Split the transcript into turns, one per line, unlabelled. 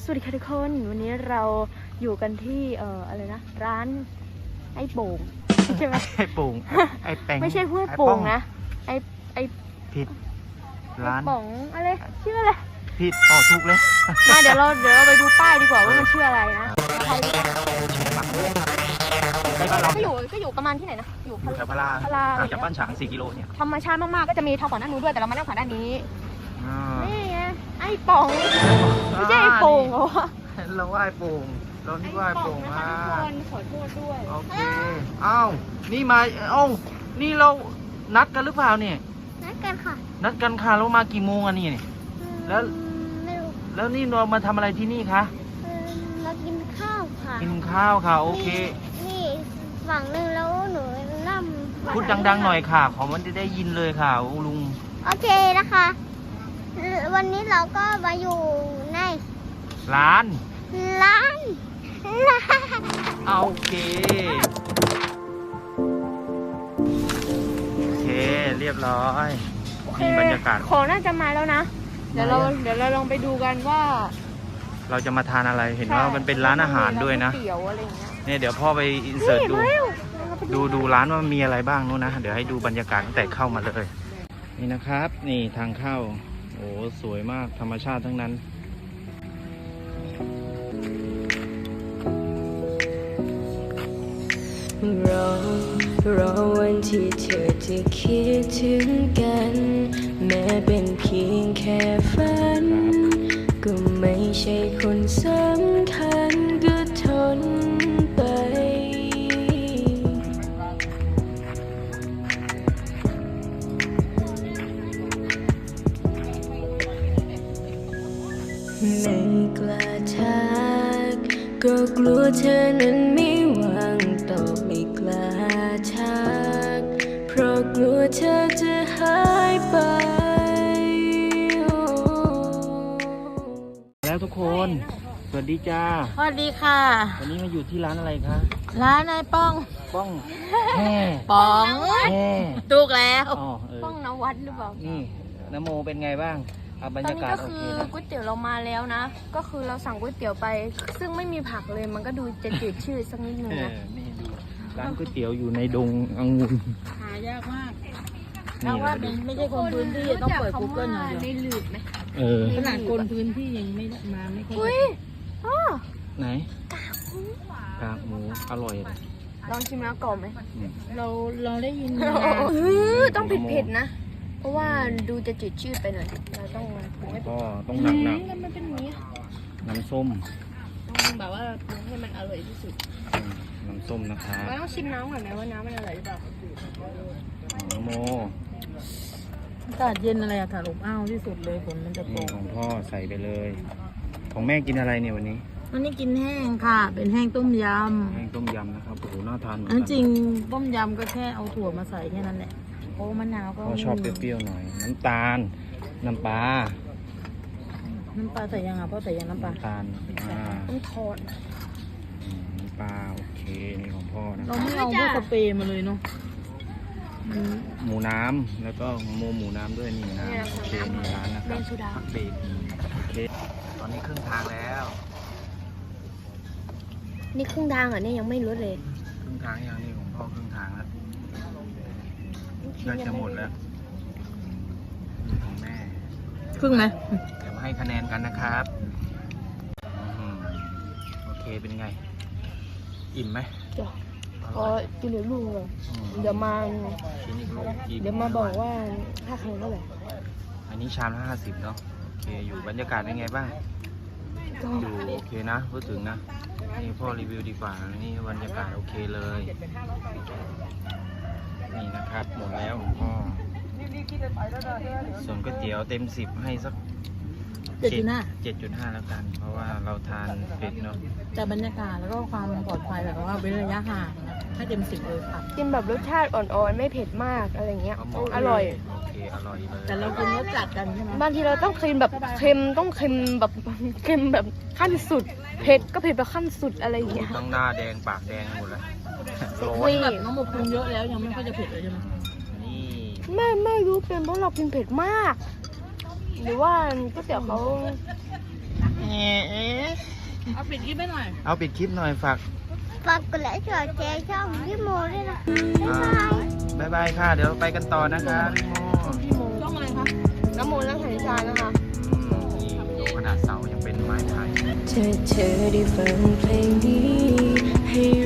สวัสดีค่ะทุกคนวันนี้เราอยู่กันที่อะไรนะร้านไอ้โป่งใช่ไหม
ไอ้โป่งไอ้แป้ง
ไม่ใช่ห้วยโป่งนะไอ้
ผิดร้าน
โป่งอะไรชื่ออะไร
ผิดถูกเลย
มาเดี๋ยวเราไปดูป้ายดีกว่าว่ามันชื่ออะไรนะก็อยู่ประมาณที่ไหนนะอยู่
แถวพลาห่างจากบ้านฉาง4 กิโลเนี่ย
ธรรมชาติมากๆก็จะมีทางฝั่งด้านนู้นด้วยแต่เรามานั่งฝั่งด้านนี้นี่ไงไอ้โป่งไม่ใช่ไอ้โป่งเหรอ
เราว่าไอ้โป่งเรานี่ว่าไอ้โป่ง
ขอโทษด้วย
โอเคอ้าวนี่มานี่เรานัดกันหรือเปล่าเนี่ย
นัดกันค่ะ
เรามากี่โมงอะนี่แล้วนี่เรามาทำอะไรที่นี่คะ
มากินข้าวค่ะ
กินข้าวค่ะโอเค
นี่ฝั่งนึงแล้วหนูนั่ง
พูดดังๆหน่อยค่ะขอมันจะได้ยินเลยค่ะลุง
โอเคนะคะวันนี้เราก็มาอยู่ใน
ร้านโอเคเรียบร้อยนี่บรรยากาศ
ของน่าจะมาแล้วนะเดี๋ยวเราลองไปดูกันว่า
เราจะมาทานอะไรเห็นว่ามันเป็นร้านอาหารด้วยนะเนี่ยเดี๋ยวพ่อไปอินเสิร์ตดูร้านว่ามีอะไรบ้างนู้นนะเดี๋ยวให้ดูบรรยากาศตั้งแต่เข้ามาเลยนี่นะครับนี่ทางเข้าโอ้สวยมากธรรมชาติทั้งนั้น
รอวันที่เธอจะคิดถึงกันแม้เป็นเพียงแค่ฝันก็ไม่ใช่คนสำคัญก็ทนไปไม่กล้าทักก็กลัวเธอนั้นไม่วางตอบไม่กล้าทักเพราะกลัวเธอจะหายไป
แล้วทุกคนสวัสดีจ้า
สวัสดีค่ะ
วันนี้มาอยู่ที่ร้านอะไรคะ
ร้านนายป้อง
แห่
ป้องถูกแล้ว
ป้องนวัดหรือเปล่า
นี่นโมเป็นไงบ้างบรรยากาศโอเคนะ
ก๋วยเตี๋ยวเรามาแล้วนะก็คือเราสั่งก๋วยเตี๋ยวไปซึ่งไม่มีผักเลยมันก็ดูจะจืดชืดสักนิดนึงนะ
นี่ดูร้านก๋วยเตี๋ยวอยู่ในดงองุ่น
หายากมาก
นี่ว่า
ไม่ใช่คนพื้นที่ต้องเปิด Google อย่างเดียว
ในหลืบไหม
ขนาดคนพื้นที่ยังไม่มาไม่ค่อย
ไหนกากหมูอร่อยเลย
ลองชิมแล้วกรอบไหม
เราได้ยิน
ต้องเผ็ดๆนะเพราะว่าดูจะจืดชืดไปหน่อยเราต้อง
หนัก
มันเป็นอย่างนี้
น้ำส้ม
ต้องแบบว่าให้มันอร่อยที่สุด
น้ำส้มนะคะ
เราต้องชิมน้ำก่อนไหมว่าน้ำมันอร่อยหรือเปล่า
โม
อากาศเย็นอะไรอะค่ะอบอ้าวที่สุดเลยฝนมันจะตก
ของพ่อใส่ไปเลยของแม่กินอะไรเนี่ยวันนี้
กินแห้งค่ะเป็นแห้งต้มยำ
นะครับโอ้โหน่าทานเหมือน
กันจริงต้มยำก็แค่เอาถั่วมาใส่แค่นั้นแหละโอ้มะนาวก็
ชอบเปรี้ยวๆหน่อยน้ำตาลน้ำปลา
ใส่ยังอ่ะพ่อใส่ยังน้ำปลา
น้ำตาล
ต้องทอด
น้ำปลาโอเคนี่ของพ่อนะ
เราไม่เอาพวกสเปรย์มาเลยเนาะ
หมูน้ำแล้วก็หมูน้ำด้วยนี่นะโอเคมีร้านนะครับเบรกโอเคตอนนี้ครึ่งทางแล้ว
นี่ครึ่งทางเหรอเนี่ยยังไม่รู้เลย
ครึ่งทางยังนี่ของพ่อครึ่งทางแล้วน่าจะหมดแล้วของแม่
ครึ่งไหม
เดี๋ยวมาให้คะแนนกันนะครับโอเคเป็นไงอิ่มไหม
จ้ะกินเหลือลูกเลยเดี๋ยวมาบอกว่าค่าคะแนนเท่าไหร่
อันนี้ชามละ50เนาะโอเคอยู่บรรยากาศเป็นไงบ้างอยู่โอเคนะพูดถึงนะนี่พ่อรีวิวดีกว่านี่บรรยากาศโอเคเลยนี่นะครับหมดแล้วพ่อส่วนก๋วยเตี๋ยวเต็ม10ให้สัก7.5แล้วกันเพราะว่าเราทานเผ็ดเนาะ
แต่บรรยากาศแล้วก็ความปลอดภัยแบบว่าเว้นระยะห่างให้เต็ม10เลยค่ะ
กินแบบรสชาติอ่อนๆไม่เผ็ดมากอะไรเงี้ยอร่อย
โอเคอร่อยเลย
แต่เรากินรสจัดกันใช่ไหม
บางทีเราต้องเค็มแบบเค็มแบบขั้นสุดเผ็ดก็เผ็ดแบบขั้นสุดอะไรอย่างเงี้ย
ต้องหน้าแดงปากแดงหมดเลย
แบบน้องหมกปรุงเยอะแล้วยังไม่ค่อยจะเผ็ดเลยใช่ไหม
ไม่รู้เป็นเพราะเรากินเผ็ดมากหรือว่าก๋วยเตี๋ยวเขา
เอาปิดคลิปหน่อยฝาก
ฝากกดไลค์กดแชร์ช่องพี่โมด้วยนะ
บ๊ายบายค่ะ เดี๋ยวไปกันต่อนะคะพี่โม
พี่โมช่องอะไรคะน้ำโมนักฐานิชานะคะ
ดูขนาดเสายังเป็นไม้ไผ่
เธอได้ฟังเพลงนี้ให้